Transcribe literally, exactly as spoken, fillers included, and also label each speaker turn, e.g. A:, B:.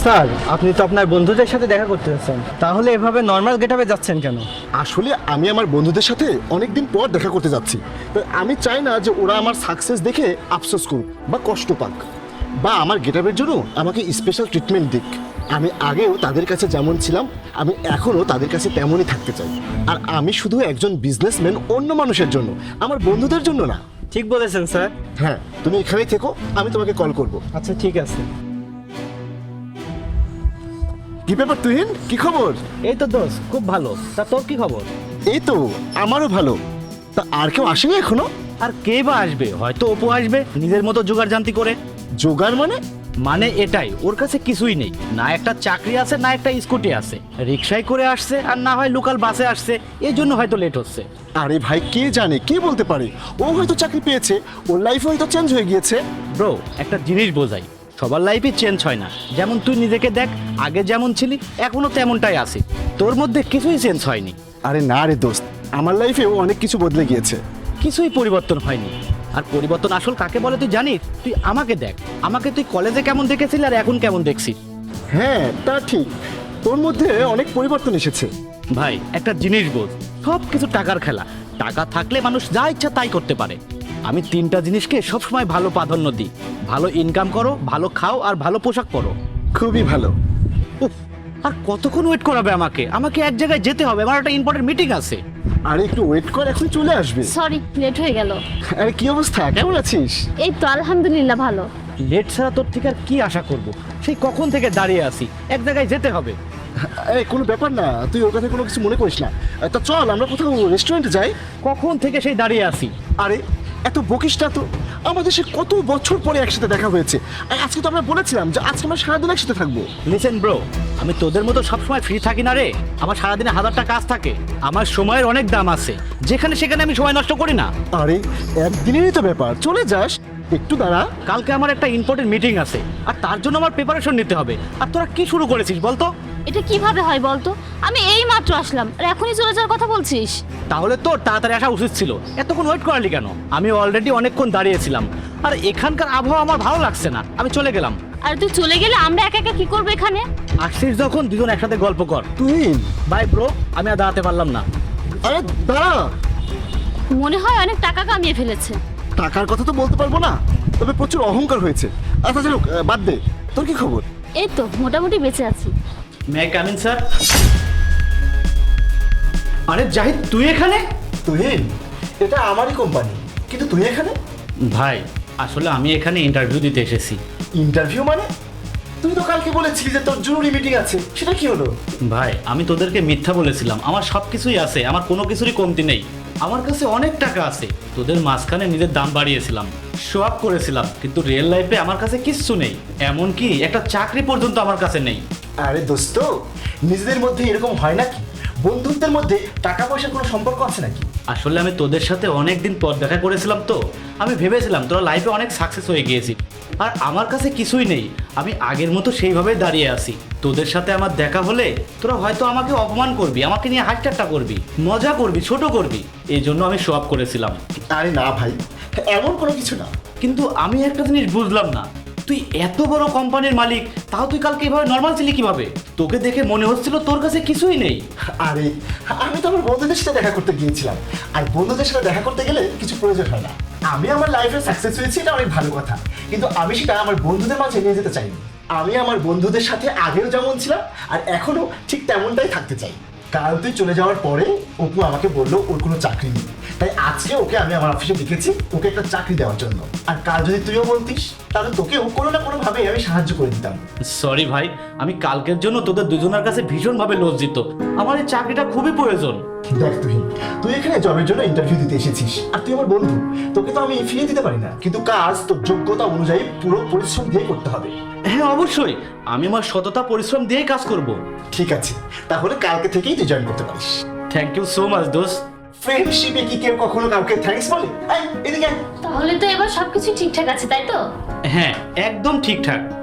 A: Sir, আপনি তো আপনার বন্ধুদের সাথে দেখা করতে যাচ্ছেন, তাহলে এভাবে নর্মাল গেটআপে যাচ্ছেন কেন?
B: আসলে আমি আমার বন্ধুদের সাথে অনেকদিন পর দেখা করতে যাচ্ছি। তাই আমি চাই না যে ওরা আমার সাকসেস দেখে আফসোস করুক বা কষ্ট পাক, বা আমার গেটআপের জন্য আমাকে স্পেশাল ট্রিটমেন্ট দিক। আমি আগেও তাদের কাছে যেমন ছিলাম, আমি এখনও তাদের কাছে তেমনই থাকতে চাই। আর আমি শুধু একজন বিজনেসম্যান অন্য মানুষের জন্য, আমার বন্ধুদের জন্য না।
A: ঠিক বলেছেন স্যার।
B: হ্যাঁ, তুমি এখানেই থেকো, আমি তোমাকে কল করব।
A: আচ্ছা ঠিক আছে।
B: কি ব্যাপার তুহিন, কি খবর?
A: এই তো দোস্ত, খুব ভালো। তা তোর কি খবর?
B: এই তো আমারও ভালো। তা আর কেউ আসেনি এখনো?
C: আর কে বা আসবে? হয়তো অপু আসবে নিজের মতো জোগাড় জানতি করে।
B: জোগাড় মানে?
C: মানে এটাই, ওর কাছে কিছুই নেই, না একটা চাকরি আছে না একটা স্কুটি আছে, রিক্সায় করে আসছে আর না হয় লোকাল বাসে আসছে, এই জন্য হয়তো লেট হচ্ছে।
B: আরে ভাই, কে জানে, কে বলতে পারে? ও হয়তো চাকরি পেয়েছে, ওর লাইফ হয়তো চেঞ্জ হয়ে গিয়েছে।
C: ব্রো, একটা জিনিস বোঝাই, সবার লাইফে চেঞ্জ হয় না। যেমন তুই নিজেকে দেখ, আগে যেমন ছিলি এখনো তেমনটাই আছি, তোর মধ্যে কিছুই চেঞ্জ হয়নি।
B: আরে না রে দোস্ত, আমার লাইফেও অনেক কিছু বদলে গিয়েছে।
C: কিছুই পরিবর্তন হয়নি। আর পরিবর্তন আসল কাকে বলে তুই জানিস? তুই আমাকে দেখ, আমাকে তুই কলেজে কেমন দেখেছিলি আর এখন কেমন দেখছিস।
B: হ্যাঁ, তা ঠিক, তোর মধ্যে অনেক পরিবর্তন এসেছে।
C: ভাই, একটা জিনিস বোঝ, সব কিছু টাকার খেলা। টাকা থাকলে মানুষ যা ইচ্ছা তাই করতে পারে। আমি তিনটা জিনিসকে সবসময় ভালো প্রাধান্য দিই: ভালো ইনকাম করো, ভালো খাও আর ভালো পোশাক পরো।
B: খুবই ভালো।
C: উফ, আর কতক্ষণ ওয়েট করাবে আমাকে? আমাকে এক জায়গায় যেতে হবে, আমার একটা ইম্পর্টেন্ট মিটিং আছে।
B: আরে একটু ওয়েট কর, এখন চলে আসবে।
D: সরি, লেট হয়ে গেল।
B: আরে কি অবস্থা, কেমন আছিস?
D: এই তো আলহামদুলিল্লাহ ভালো।
C: লেট ছাড়া তোর থেকে আর কি আশা করব? সেই কখন থেকে দাঁড়িয়ে আছি, এক জায়গায় যেতে হবে।
B: এই কোনো ব্যাপার না, তুই ওর কথা কোনো কিছু মনে করিস না। তা চল আমরা কোথাও রেস্টুরেন্টে যাই।
C: কখন থেকে সেই দাঁড়িয়ে আছি।
B: আরে এত বকিস না তো, আমাদের সে কত বছর পরে একসাথে দেখা হয়েছে। আর আজকে তো আমরা বলেছিলাম যে আজকে আমরা সারাদিন একসাথে থাকবো।
C: লিসেন ব্রো, আমি তোদের মতো সবসময় ফ্রি থাকি না রে। আমার সারাদিনে হাজারটা কাজ থাকে, আমার সময়ের অনেক দাম আছে, যেখানে সেখানে আমি সময় নষ্ট করি না।
B: আরে একদিনেরই তো ব্যাপার, চলে যাস, একটু দাঁড়া।
C: কালকে আমার একটা ইম্পর্টেন্ট মিটিং আছে, আর তার জন্য আমার প্রিপারেশন নিতে হবে। আর তোরা কি শুরু করেছিস বলতো?
D: এটা কিভাবে হয় বলতো? আমি এই মাত্র আসলাম আর এখনই চলে যাওয়ার কথা বলছিস?
C: তাহলে তোর তাড়াতাড়ি আসা উচিত ছিল, এতক্ষণ ওয়েট করালি কেন? আমি অলরেডি অনেকক্ষণ দাঁড়িয়েছিলাম, আর এখানকার আবহাওয়া আমার ভালো লাগছে না, আমি চলে গেলাম।
D: আর তুই চলে গেলে আমরা একা একা কি করবো এখানে?
C: আসছিস যখন দুজন একসাথে গল্প কর।
B: তুই
C: বাই ব্রো, আমি আর দাঁড়াতে পারলাম না।
B: আরে দাঁড়া।
D: মনে হয় অনেক টাকা কামিয়ে ফেলেছে।
B: টাকার কথা তো বলতে পারবো না, তবে প্রচুর অহংকার হয়েছে। আচ্ছা চলো, বাদ দে, তোর কি খবর?
D: এই তো মোটামুটি বেঁচে আছি।
C: May come in sir? আরে জাহিদ, তুই এখানে?
B: তুহিন, এটা আমারই কোম্পানি, কিন্তু তুই এখানে?
C: ভাই, আসলে আমি এখানে ইন্টারভিউ দিতে এসেছি।
B: ইন্টারভিউ মানে? তুই তো কালকে বলেছিলি যে তোর জরুরি মিটিং আছে, সেটা কি হলো?
C: ভাই, আমি তোদেরকে মিথ্যা বলেছিলাম, আমার সব কিছুই আছে, আমার কোনো কিছুরই কমতি নেই, আমার কাছে অনেক টাকা আছে। তোদের মাঝখানে নিজের দাম বাড়িয়েছিলাম, শো আপ করেছিলাম, কিন্তু রিয়েল লাইফে আমার কাছে কিচ্ছু নেই, এমনকি একটা চাকরি পর্যন্ত আমার কাছে নেই।
B: আরে দোস্ত, নিজেদের মধ্যে এরকম হয় নাকি? বন্ধুত্বের মধ্যে টাকা পয়সার কোনো সম্পর্ক আছে নাকি?
C: আসলে আমি তোদের সাথে অনেক দিন পর দেখা করেছিলাম, তো আমি ভেবেছিলাম তোরা লাইফে অনেক সাকসেস হয়ে গিয়েছি, আর আমার কাছে কিছুই নেই। আমি আগের মতো সেইভাবে দাঁড়িয়ে আছি। তোদের সাথে আমার দেখা হলে তোরা হয়তো আমাকে অপমান করবি, আমাকে নিয়ে হাসিঠাট্টা করবি, মজা করবি, ছোট করবি, এই জন্য আমি শো আপ করেছিলাম।
B: আরে না ভাই, এমন কোনো কিছু না।
C: কিন্তু আমি একটা জিনিস বুঝলাম না, তুই এত বড় কোম্পানির মালিক, তাও তুই কালকে এভাবে নর্মাল ছিলি কিভাবে? তোকে দেখে মনে হচ্ছিল তোর কাছে কিছুই নেই।
B: আরে আমি তো আমার বন্ধুদের সাথে দেখা করতে গিয়েছিলাম, আর বন্ধুদের সাথে দেখা করতে গেলে কিছু প্রয়োজন হয় না। আমি আমার লাইফে সাকসেস হয়েছি, এটা অনেক ভালো কথা, কিন্তু আমি সেটা আমার বন্ধুদের মাঝে নিয়ে যেতে চাইনি। আমি আমার বন্ধুদের সাথে আগেও যেমন ছিলাম আর এখনো ঠিক তেমনটাই থাকতে চাই। কাল তুই চলে যাওয়ার পরে অপু আমাকে বললো ওর কোনো চাকরি নেই, তাই আজকে ওকে আমি আমার অফিসে ডেকেছি ওকে একটা চাকরি দেওয়ার জন্য। আর কাল যদি তুইও বলতিস, তাহলে তোকেও কোনো না কোনো ভাবে আমি সাহায্য করে দিতাম।
C: সরি ভাই, আমি কালকের জন্য তোদের দুজনের কাছে ভীষণভাবে লজ্জিত, আমার এই চাকরিটা খুবই প্রয়োজন।
B: দেখ তুই তুই এখানে জবের জন্য ইন্টারভিউ দিতে এসেছিস, আর তুই আমার বন্ধু, তোকে তো আমি ফিরিয়ে দিতে পারি না, কিন্তু কাজ তোর যোগ্যতা অনুযায়ী পুরো পরিশ্রম দিয়ে করতে হবে।
C: হ্যাঁ অবশ্যই, আমি আমার সততা পরিশ্রম দিয়েই কাজ করব।
B: ঠিক আছে, তাহলে কালকে থেকেই তুই জয়েন করতে পারিস।
C: থ্যাংক ইউ সো মাচ দোস্ত।
B: ফ্রেন্ডশিপে কি কেউ কখনো কাউকে থ্যাঙ্কস বলে? এই, এদিকে আয়।
D: তাহলে তো এবার সবকিছু ঠিকঠাক আছে, তাই তো?
C: হ্যাঁ, একদম ঠিকঠাক।